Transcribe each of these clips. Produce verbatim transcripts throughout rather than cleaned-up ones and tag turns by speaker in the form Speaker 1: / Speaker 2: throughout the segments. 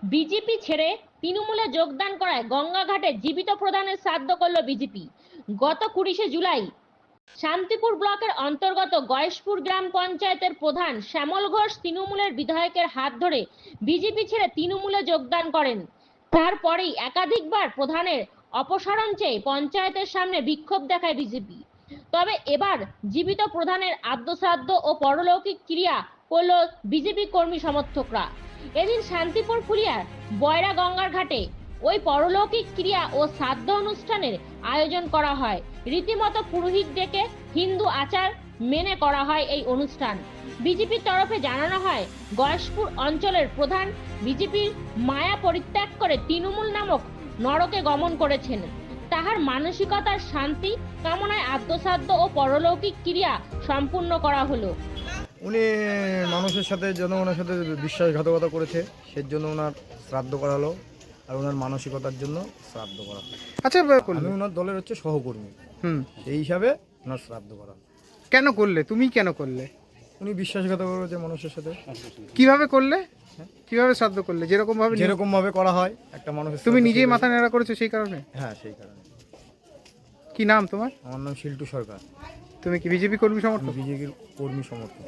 Speaker 1: BJP ছেড়ে তৃণমূলে যোগদান করায় গঙ্গাঘাটে জীবিত প্রধানের শ্রাদ্ধ করল বিজেপি। গত কুড়িশে জুলাই শান্তিপুর ব্লকের অন্তর্গত গয়েশপুর গ্রাম পঞ্চায়েতের প্রধান শ্যামল ঘোষ তৃণমূলের বিধায়কের হাত ধরে বিজেপি ছেড়ে তৃণমূলে যোগদান করেন। তারপরেই একাধিকবার প্রধানের অপসারণ চেয়ে পঞ্চায়েতের সামনে বিক্ষোভ দেখায় বিজেপি। তবে এবার জীবিত প্রধানের আদ্যশ্রাদ্ধ ও পরলৌকিক ক্রিয়া করল বিজেপি কর্মী সমর্থকরা। এদিন শান্তিপুর ফুলিয়ার বয়রা গঙ্গার ঘাটে ওই পরলৌকিক ক্রিয়া ও শ্রাদ্ধ অনুষ্ঠানের আয়োজন করা হয়। রীতিমতো পুরোহিত ডেকে হিন্দু আচার মেনে করা হয় এই অনুষ্ঠান। বিজেপির তরফে জানানো হয়, গয়েশপুর অঞ্চলের প্রধান বিজেপির মায়া পরিত্যাগ করে তৃণমূল নামক নরকে গমন করেছেন। তাহার মানসিকতার শান্তি কামনায় আদ্যশ্রাদ্ধ ও পরলৌকিক ক্রিয়া সম্পূর্ণ করা হলো।
Speaker 2: উনি মানুষের সাথে জনগণের সাথে বিশ্বাসঘাতকতা করেছে, সেই জন্য ওনার শ্রাদ্ধ করা হলো, আর ওনার মানসিকতার জন্য শ্রাদ্ধ করা হলো।
Speaker 3: আচ্ছা,
Speaker 2: আমি ওনার দলের হচ্ছে সহকর্মী,
Speaker 3: হুম
Speaker 2: এই হিসাবে ওনার শ্রাদ্ধ করা হলো।
Speaker 3: কেন করলে? তুমি কেন করলে?
Speaker 2: উনি বিশ্বাসঘাতকতা করেছে মানুষের সাথে।
Speaker 3: কিভাবে করলে? কিভাবে শ্রাদ্ধ করলে? যেরকম ভাবে
Speaker 2: যেরকম ভাবে করা হয় একটা মানুষের।
Speaker 3: তুমি নিজেই মাথা নেড়া করেছো সেই কারণে?
Speaker 2: হ্যাঁ, সেই কারণে।
Speaker 3: কি নাম তোমার?
Speaker 2: আমার নাম শিল্টু সরকার।
Speaker 3: তুমি কি বিজেপি কর্মী সমর্থক?
Speaker 2: বিজেপির কর্মী সমর্থক।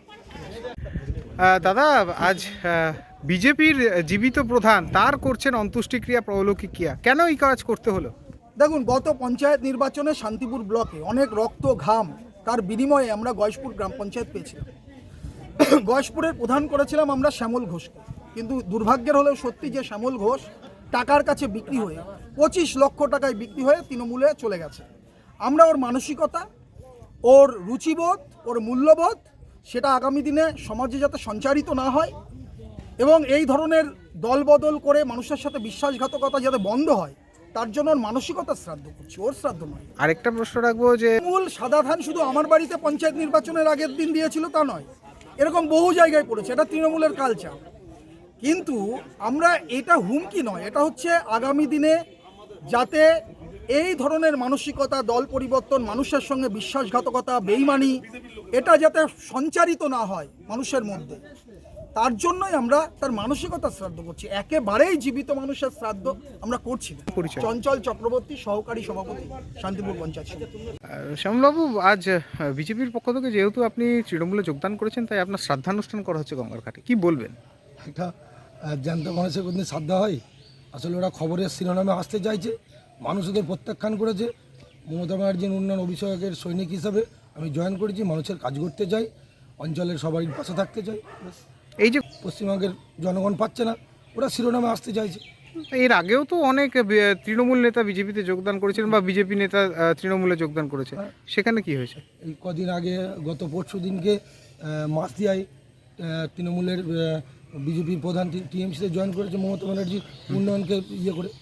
Speaker 3: দাদা, আজ বিজেপির জীবিত প্রধান তার করছেন অন্ত্যেষ্টিক্রিয়া, পরলৌকিক ক্রিয়া, কেন এই কাজ করতে হলো?
Speaker 4: দেখুন, গত পঞ্চায়েত নির্বাচনে শান্তিপুর ব্লকে অনেক রক্ত ঘাম তার বিনিময়ে আমরা গয়েশপুর গ্রাম পঞ্চায়েত পেয়েছিলাম। গয়েশপুরের প্রধান করেছিলাম আমরা শ্যামল ঘোষকে, কিন্তু দুর্ভাগ্যের হলেও সত্যি যে শ্যামল ঘোষ টাকার কাছে বিক্রি হয়ে পঁচিশ লক্ষ টাকায় বিক্রি হয়ে তৃণমূলে চলে গেছে। আমরা ওর মানসিকতা, ওর রুচিবোধ, ওর মূল্যবোধ সেটা আগামী দিনে সমাজে যাতে সঞ্চারিত না হয় এবং এই ধরনের দলবদল করে মানুষের সাথে বিশ্বাসঘাতকতা যাতে বন্ধ হয়, তার জন্য ওর মানসিকতা শ্রাদ্ধ করছি, ওর শ্রাদ্ধ নয়।
Speaker 3: আরেকটা প্রশ্ন রাখবো, যে
Speaker 4: মূল সাদা ধান শুধু আমার বাড়িতে পঞ্চায়েত নির্বাচনের আগের দিন দিয়েছিল তা নয়, এরকম বহু জায়গায় পড়েছে, এটা তৃণমূলের কালচার। কিন্তু আমরা এটা হুমকি নয়, এটা হচ্ছে আগামী দিনে যাতে এই ধরনের মানসিকতা, দল পরিবর্তন, মানুষের সঙ্গে বিশ্বাসঘাতকতা, বেইমানি এটা যাতে সঞ্চারিত না হয় মানুষের মধ্যে, তার জন্যই আমরা তার মানসিকতা শ্রাদ্ধ করছি। একেবারেই জীবিত মানুষের শ্রাদ্ধ আমরা করছি না। চঞ্চল চক্রবর্তী, সহকারী সভাপতি, শান্তিপুর পঞ্চায়েত সমিতি।
Speaker 3: শ্যামলবাবু, আজ বিজেপির পক্ষ থেকে যেহেতু আপনি তৃণমূলে যোগদান করেছেন, তাই আপনার শ্রাদ্ধানুষ্ঠান করা হচ্ছে গঙ্গার ঘাটে, কি বলবেন?
Speaker 5: একটা জ্যান্ত মানুষের কোনদিন শ্রদ্ধা হয়? আসলে ওরা খবরের শিরোনামে আসতে চাইছে, মানুষ ওদের প্রত্যাখ্যান করেছে। মমতা ব্যানার্জির উন্নয়ন অভিষেকের সৈনিক হিসাবে আমি জয়েন করেছি, মানুষের কাজ করতে চাই, অঞ্চলের সবারই পাশে থাকতে চাই।
Speaker 3: এই যে
Speaker 5: পশ্চিমবঙ্গের জনগণ পাচ্ছে না, ওরা শিরোনামে আসতে চাইছে।
Speaker 3: এর আগেও তো অনেক তৃণমূল নেতা বিজেপিতে যোগদান করেছিলেন, বা বিজেপি নেতা তৃণমূলে যোগদান করেছে, সেখানে কি হয়েছে?
Speaker 5: এই কদিন আগে গত পরশু দিনকে মাসদিয়ায় তৃণমূলের বিজেপির প্রধান টিএমসিতে জয়েন করেছে মমতা ব্যানার্জি উন্নয়নকে ইয়ে করে।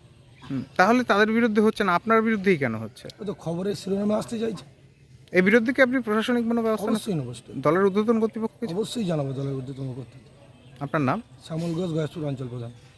Speaker 3: তাহলে তাদের বিরুদ্ধে হচ্ছে না, আপনার বিরুদ্ধেই কেন হচ্ছে?
Speaker 5: ও তো খবরের শিরোনামে আসতে চাইছে।
Speaker 3: এই বিরুদ্ধে কি আপনি প্রশাসনিক কোনো ব্যবস্থা?
Speaker 5: অবশ্যই নেব,
Speaker 3: দলের ঊর্ধ্বতন কর্তৃপক্ষ
Speaker 5: অবশ্যই জানাবো দলের ঊর্ধ্বতন কর্তৃপক্ষ।
Speaker 3: আপনার নাম?
Speaker 5: শ্যামল ঘোষ, গয়েশপুর অঞ্চল প্রধান।